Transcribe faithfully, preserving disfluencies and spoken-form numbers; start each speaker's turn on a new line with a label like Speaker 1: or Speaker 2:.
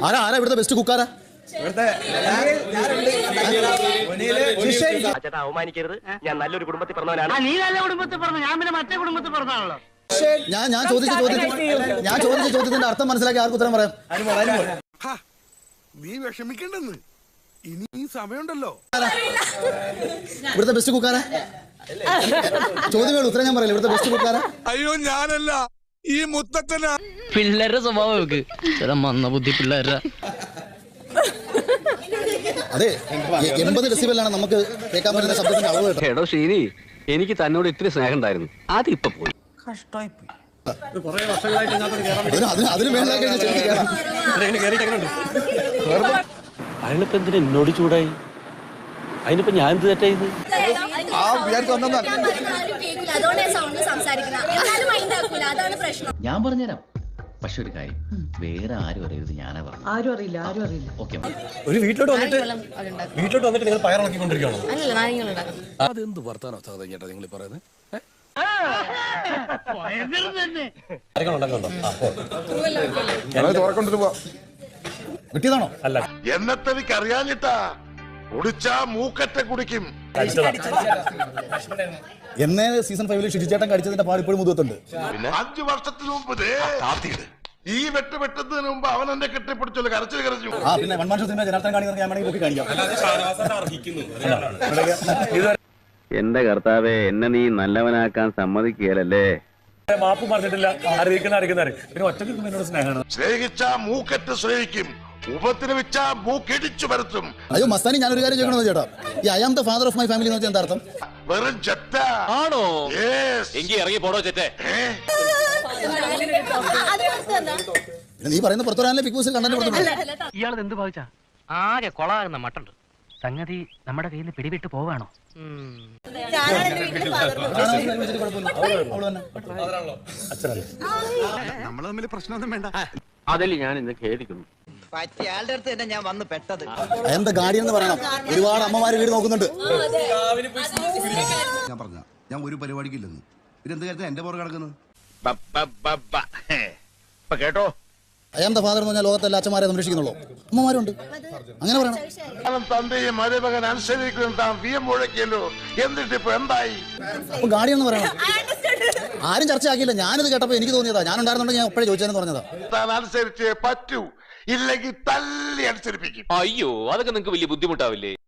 Speaker 1: ആരാ ആരാ ഇവിടുത്തെ ബെസ്റ്റ് കുക്കാരാ?
Speaker 2: അവമാനിക്കരുത്, ഞാൻ നല്ലൊരു കുടുംബത്തിൽ പറഞ്ഞവനാണ്.
Speaker 3: നീ നല്ല കുടുംബത്തിൽ പറഞ്ഞു, ഞാൻ പിന്നെ മറ്റേ കുടുംബത്തിൽ പറഞ്ഞാണല്ലോ.
Speaker 1: ഞാൻ ഞാൻ ചോദിച്ച ചോദ്യത്തിന് ഞാൻ ചോദിച്ച ചോദ്യത്തിന്റെ അർത്ഥം മനസ്സിലാക്കി ആർക്ക് ഉത്തരം പറയാം?
Speaker 4: നീ വിഷമിക്കണ്ടെന്ന്, ഇനി സമയമുണ്ടല്ലോ.
Speaker 1: ഇവിടുത്തെ ബെസ്റ്റ് കുക്കാരാ? ചോദ്യങ്ങൾ ഉത്തരം ഞാൻ പറയില്ല. ഇവിടുത്തെ ബെസ്റ്റ് കുക്കാരാ?
Speaker 4: അയ്യോ ഞാനല്ല, ഈ മുത്തച്ഛനാ.
Speaker 5: പിള്ളേരുടെ സ്വഭാവം ചില മന്ദബുദ്ധി പിള്ളേരുടെ.
Speaker 1: അതെ, എൺപത് ഡെസിബലാണ് നമുക്ക് കേൾക്കാൻ പറ്റുന്ന ശബ്ദത്തിന്റെ അളവ് കേട്ടോ.
Speaker 2: എടോ ശരി, എനിക്ക് തന്നോട് ഇത്തിരി സ്നേഹം ഉണ്ടായിരുന്നു, അതിപ്പോ പോയി.
Speaker 1: അതിന് മേളിലാക്കി
Speaker 6: അതിനിപ്പോ എന്തിനാ എന്നോട് ചൂടായി? അതിനിപ്പോ ഞാൻ എന്ത് തെറ്റായത്?
Speaker 5: ഞാൻ പറഞ്ഞുതരാം, പക്ഷെ ഒരു കാര്യം, വേറെ ആരും അറിയരുത്. ഞാനാ പറഞ്ഞു.
Speaker 7: ആരും അറിയില്ല, ആരും അറിയില്ല.
Speaker 5: ഓക്കെ.
Speaker 8: ഒരു വീട്ടിലോട്ട് വന്നിട്ട് വീട്ടിലോട്ട് വന്നിട്ട് നിങ്ങൾ പയറിളക്കിക്കൊണ്ടിരിക്കുകയാണോ?
Speaker 4: അതെന്ത് വർത്താനോ ചേട്ടാ നിങ്ങൾ പറയുന്നത്?
Speaker 1: കിട്ടിയതാണോ?
Speaker 8: അല്ല,
Speaker 4: എന്നത്തെനിക്ക് അറിയാഞ്ഞിട്ടാ. കുടിച്ചാ മൂക്കറ്റ കുടിക്കും.
Speaker 1: എന്നേ സീസൺ ഫൈവില് ഷിജിച്ചേട്ടൻ കടിച്ചതിന്റെ പാട് ഇപ്പോഴും മുതത്തുണ്ട്.
Speaker 4: അഞ്ചു വർഷത്തിന് മുമ്പ് ഈ വെട്ട് വെട്ടുന്നതിന് മുമ്പ് അവൻ എന്നെ കെട്ടിപ്പിടിച്ചല്ലോ, കരച്ചിൽ കരച്ചു.
Speaker 1: ആ പിന്നെ one man show cinema Janardhan കാണിക്കുന്ന ഞാൻ വേണമെങ്കിൽ കാണിക്കാം.
Speaker 2: എന്റെ കർത്താവെ, എന്നെ നീ നല്ലവനാക്കാൻ സമ്മതിക്കുകയല്ലേ.
Speaker 8: മാപ്പ് പറഞ്ഞിട്ടില്ല. അറിയിക്കുന്ന അറിയിക്കുന്ന പിന്നെ ഒറ്റ എന്നോട് സ്നേഹമാണ്.
Speaker 4: സ്നേഹിച്ചാ മൂക്കറ്റ് സ്നേഹിക്കും, ഉപദ്രവിച്ചാ മൂക്കിടിച്ചു പരത്തും.
Speaker 1: അയ്യോ മസ്താനി, ഞാനൊരു കാര്യം ചോദിക്കണമെന്ന് ചേട്ടാ, ഈ I am the father of my family എന്ന് വെച്ചാൽ എന്താ അർത്ഥം?
Speaker 4: വെറും ചെറ്റ
Speaker 2: ആണോ?
Speaker 4: Yes.
Speaker 2: എങ്കി ഇറങ്ങി പോടോ ചെറ്റേ.
Speaker 1: നീ പറയുന്ന പുറത്തുവരാനല്ലേ ബിഗ് ബോസ് കണ്ടന്റ് കൊടുത്തിട്ടുണ്ട്.
Speaker 3: ഇയാളത് എന്ത് ഭാവിച്ചാ? ആകെ കൊളാകുന്ന മട്ടുണ്ട്. സംഗതി നമ്മുടെ കയ്യിൽ നിന്ന് പിടിവിട്ട് പോവാണോ?
Speaker 4: നമ്മള് തമ്മിൽ പ്രശ്നമൊന്നും വേണ്ട.
Speaker 2: അതിൽ ഞാൻ ഇന്ന് ഖേദിക്കുന്നു.
Speaker 7: പറ്റിയാളുടെ അടുത്ത് തന്നെ ഞാൻ വന്ന് പെട്ടത്.
Speaker 1: എന്താ ഗാഡി എന്ന് പറയണം. ഒരുപാട് അമ്മമാര് വീട് നോക്കുന്നുണ്ട്.
Speaker 9: ഞാൻ പറഞ്ഞ ഞാൻ ഒരു പരിപാടിക്കില്ലെന്ന്, പിന്നെ എന്ത് കാര്യത്തിൽ എന്റെ പുറകെ കിടക്കുന്നത്?
Speaker 4: കേട്ടോ,
Speaker 1: ഐ ആം ദ ഫാദർ എന്ന് പറഞ്ഞാൽ ലോകത്തെ എല്ലാ അച്ഛന്മാരെ സംരക്ഷിക്കുന്നുള്ളൂ. അമ്മമാരുണ്ട്, അങ്ങനെ പറയണം.
Speaker 4: തന്റെയും മരുമകൻ അനുസരിക്കും താൻ വിയം മുഴക്കിയല്ലോ, എന്നിട്ട് ഇപ്പൊ എന്തായി?
Speaker 1: അപ്പൊ ഗാഡി എന്ന് പറയണം. ആരും ചർച്ചയാക്കിയില്ല, ഞാനിത് കേട്ടപ്പോ എനിക്ക് തോന്നിയതാ. ഞാൻ ഉണ്ടായിരുന്നുണ്ടെങ്കിൽ ഞാൻ എപ്പോഴും ചോദിച്ചതെന്ന് പറഞ്ഞതാ.
Speaker 4: താൻ അനുസരിച്ചേ പറ്റൂ, ഇല്ലെങ്കിൽ തല്ലി അനുസരിപ്പിക്കും.
Speaker 2: അയ്യോ, അതൊക്കെ നിങ്ങക്ക് വലിയ ബുദ്ധിമുട്ടാവില്ലേ?